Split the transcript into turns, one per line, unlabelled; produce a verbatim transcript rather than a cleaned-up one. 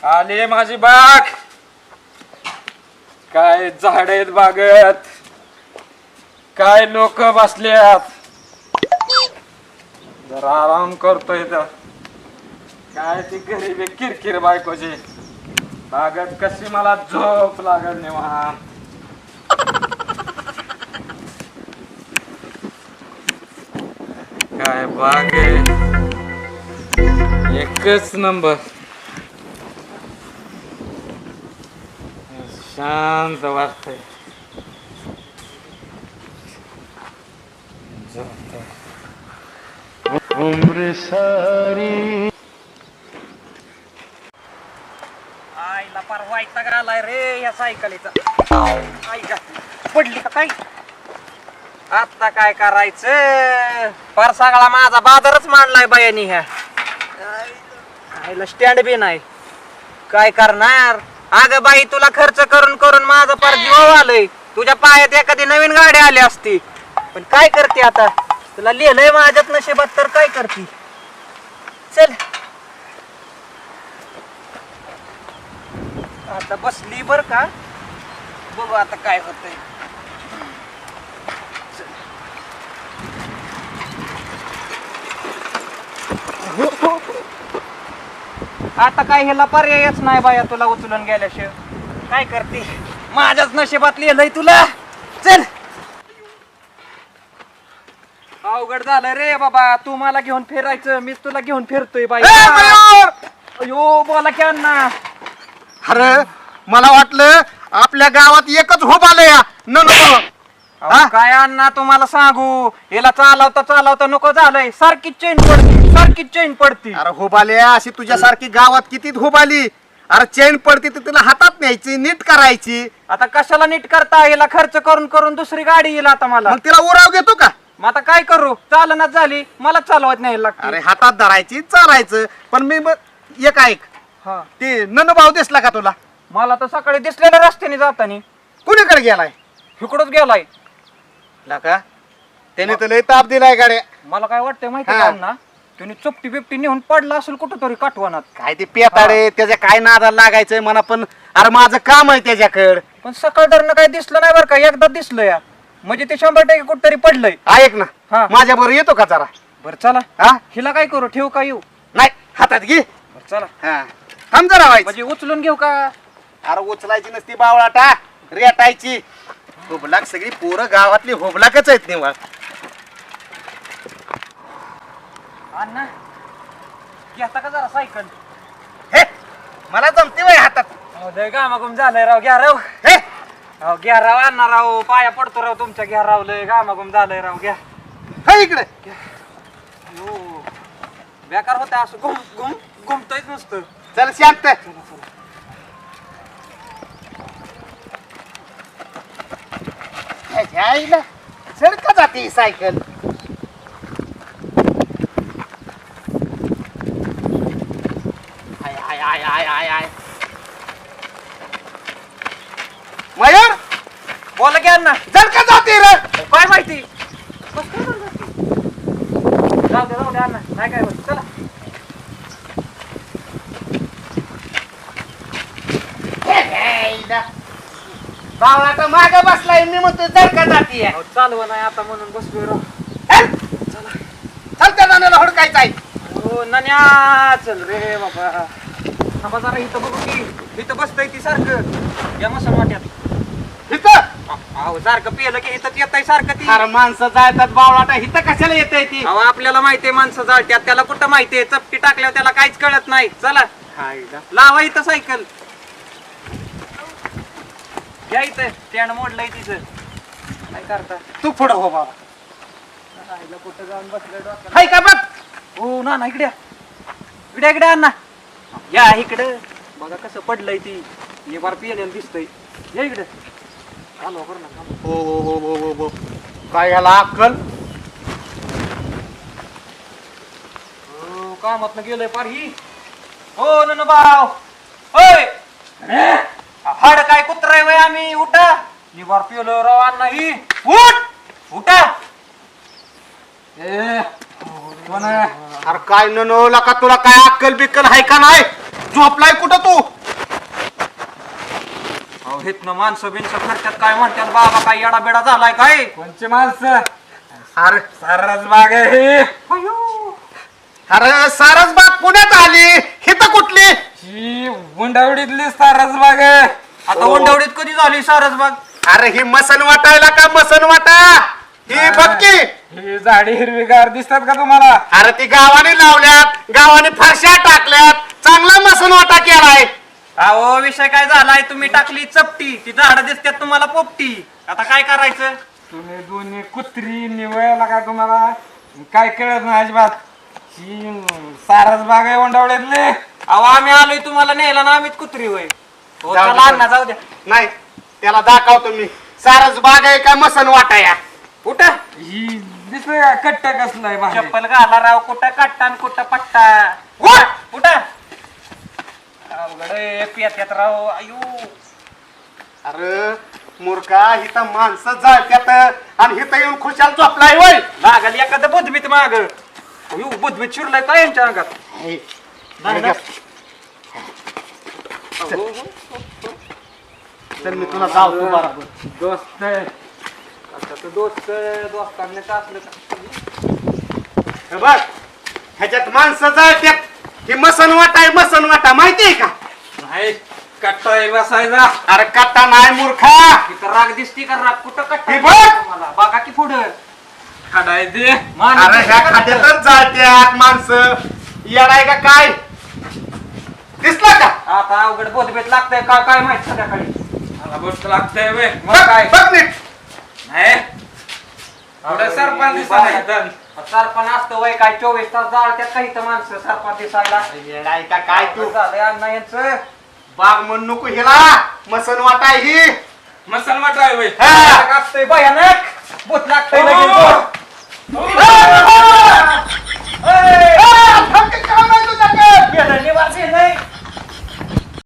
आली माझी बाग. काय झाड आहेत बागेत, काय लोक बसल्यात. जरा आराम करतोय तर काय ती गरीबी किरकिर बायकोची. बागेत कशी मला झोप लागल निवांत. काय बाग आहे, एकच नंबर. शांत वाटतंय.
उम्र सारी
आईला पार वैताग आलाय रे या सायकलीचा. आई का पडली का काय? आता काय करायचं? पार सगळा माझा बाजारच मांडलाय बायानी. ह्या आईला स्टँड बी नाही. काय करणार? अगं बाई, तुला खर्च करून करून माझं पार जीव आलंय. तुझ्या पायात एखादी नवीन गाडी आली असती, पण काय करते आता? तुला लिहिलंय माझ्यात नशिबात, तर काय करते? चल आता बसली बर का, बघू आता काय होतंय. आता काय ह्याला पर्यायच नाही बाया, तुला उचलून गेल्याशिवाय. काय करते? माझ्याच नशिबात लिहिलंय तुला. चल. अवघड झालं रे बाबा, तू मला घेऊन फिरायचं, मीच तुला घेऊन फिरतोय बाई. अयो बोला की अण्णा.
अरे मला वाटलं आपल्या गावात एकच होप आलं या न नको.
अहो, काय अण्णा तुम्हाला सांगू, याला चालवता चालवता नको झालंय. सारखी चेन पडती, सारखी चेन पडती.
अरे होप आले अशी तुझ्यासारखी गावात किती होप आली. अरे चेन पडती तर तिला हातात न्यायची, नीट करायची.
आता कशाला नीट करता? याला खर्च करून करून दुसरी गाडी येईल आता मला.
मग तिला उराव घेतो का?
मग आता काय करू? चालनाच झाली, मला चालवत नाही लागते.
अरे हातात धरायची, चालायचं. पण मी मग एक ऐक,
हा,
ते नन भाऊ दिसला का तुला?
मला तर सकाळी दिसलेल्या रस्त्याने जातानी.
कुणीकडे गेलाय?
इकडच गेलाय.
का त्याने तर लय ताप दिलाय गाड्या.
मला काय वाटतंय माहिती
हा.
का अण्णा, त्याने चुपटी बिपटी नेऊन पडला असेल कुठं तरी काठवणात.
काय ते पेताडे, त्याच्या काय नादाला लागायचंय म्हणा. पण अरे माझं काम आहे त्याच्याकडे.
पण सकाळ धरणं काय दिसलं नाही बरं का, एकदा दिसलं या. म्हणजे ते शंभर टक्के कुठतरी पडलंय.
ऐक ना,
हा.
माझ्या बरोबर येतो का जरा?
बरं चला.
हा
हिला काय करू? ठेवू का येऊ?
नाही, हातात घे.
बरं चला.
हा थांब जरा व्हायचं.
म्हणजे उचलून घेऊ का?
अरे उचलायची नसती बावळाटा, रेटायची. होबलाक सगळी पोरं गावातली होबलाकच आहेत निवळ.
अण्णा घेता का जरा सायकल?
हे मला जमते वय हातात.
अहो लय गामागुम झालंय राव. घ्या राव.
हे
अहो घ्या राव अण्णा राव, पाया पडतो राव तुमच्या. घ्या राव, लय गामागुम झालंय राव. घ्या.
हे इकडे.
हो बेकार होतं असं घुम घुम घुमतोयच नुसतं.
चल शांत. ह्याच्या चढ का जाते ही सायकल? आय आय आय आय आय आय मयूर,
बोला की अण्णा.
जर का जाते रे?
काय माहिती? कसं काय झालं ते? जाऊ दे जाऊ दे अण्णा, नाही काय होत. चला.
बावळा तर माग बसलाय, मी म्हणतो जर का जाते.
अहो, चालवा नाही आता म्हणून बसलोय राव.
चल त्या नाण्याला हुडकायचं आहे.
हो नन्या, चल रे बाबा. थांबा जरा, इथं बघू की. इथं बसतय ती सारखं या मसन वाट्यात.
इथं
अहो सारखं पिलं की इथं येत सारखं ती.
अरे माणसं जायतात बावळाटा, इथं कशाला येत ती?
अहो आपल्याला माहितीये माणसं जाळत्यात, त्याला कुठं माहितीये? चपटी टाकल्यावर त्याला काहीच कळत नाही. चला लावा इथं सायकल. घ्या इथं, स्टँड मोडलंय तिथं. काय करता?
तू पुढं हो बाबा.
राहिलं कुठं जाऊन बसलं डोक्याला.
हाय का बघ?
हो ना ना, इकडे या. इकडे इकडे अण्णा या इकडं. बघा कसं पडलंय ती. हे बार पिलेलं दिसतंय. या इकडे. चालू करू ना.
हो हो हो हो हो हो. काय ह्याला अक्कल?
हो कामात गेलंय पार ही. हो न भाऊ. होय हाड काय कुत्राय वय आम्ही. उठा. निवार पिलो राव अण्णा ही. उठ उठा. ए कोण आहे?
अरे काय ननवला का तुला? काय अक्कल बिक्कल आहे का नाही? झोपलाय कुठं तू?
हितनं माणसं बिनसं फिरतात काय म्हणतात बाबा काय येडा बेडा झालाय काय
कोणची माणसं
अरे
सारस बाग आहे ही.
अरे सारसबाग पुण्यात आली हिथं कुठली
ही गुंडावडीतली सारस बाग आहे.
आता उंडवडीत कधी झाली सारसबाग
अरे ही मसन वाटायला का मसन वाटा ही बक्की
ही झाडी हिरवीगार दिसतात का तुम्हाला?
अरे ती गावाने लावल्यात गावाने फरशा टाकल्यात चांगला मसन वाटा केलाय
अहो विषय काय झालाय तुम्ही टाकली चपटी ती झाडं दिसतात तुम्हाला पोपटी आता काय करायचं
तुम्ही दोन्ही कुत्री निवळला का तुम्हाला काय कळत नाही अजिबात. ही सारस बाग आहे ओंडावड्यातली.
अहो आम्ही आलोय तुम्हाला न्यायला ना आम्हीच कुत्री होय हो
जाऊ दे.
चला अण्णा जाऊ द्या
नाही त्याला दाखवतो मी सारसबाग आहे का मसन वाटा या
कुठं
ही दिसतंय का कट्ट कसलं आहे बाहेर?
चप्पल घाला राव कुठं कट्टा आणि कुठं पट्टा
उठ!
कुठं अवघड आहे, पियात्यात राव आयु
अरे मूर्खा इथं माणसं जळत्यात आणि इथं येऊन खुशाल झोपलाय वय
लागल एखादं बुधबीत माग अयो बुधबीत चिरलाय काय यांच्या अंगात नाही ना? अहो,
तर मी तुला जावतो बरोबर
दोस्त आहे.
आता तर दोस्त दोस्तांनी का असलं का
हे बघ ह्याच्यात माणसं जळत्यात ही मसन वाटा आहे मसन वाटा माहितीये का
नाही कट्टा बसायचा.
अरे कट्टा नाही मूर्खा
इथं राग दिसती का राग कुठं कट्टा
हे बघ!
मला बघा की पुढं
खडाय दे
अरे ह्या खात्यातच जळत्यात माणसं येडाय का काय दिसलं का
आता अवघड बोधबेत लागतंय का काय माहित संध्याकाळी
मला गोष्ट लागतंय वे
बघ
काय?
बघ नीट
नाही पुढे सरपंच दिसायला इथं.
सरपण असतं वय काय चोवीस तास जाळत्यात काही तर माणसं सरपण दिसायला
येडाय का काय तू
झालंय अण्णा यांचं
बाग म्हणू नको हिला मसन वाटा आहे ही
मसन वाटाय वे
हा.
असतंय भयानक भूत लागतंय
हो.
लगेच.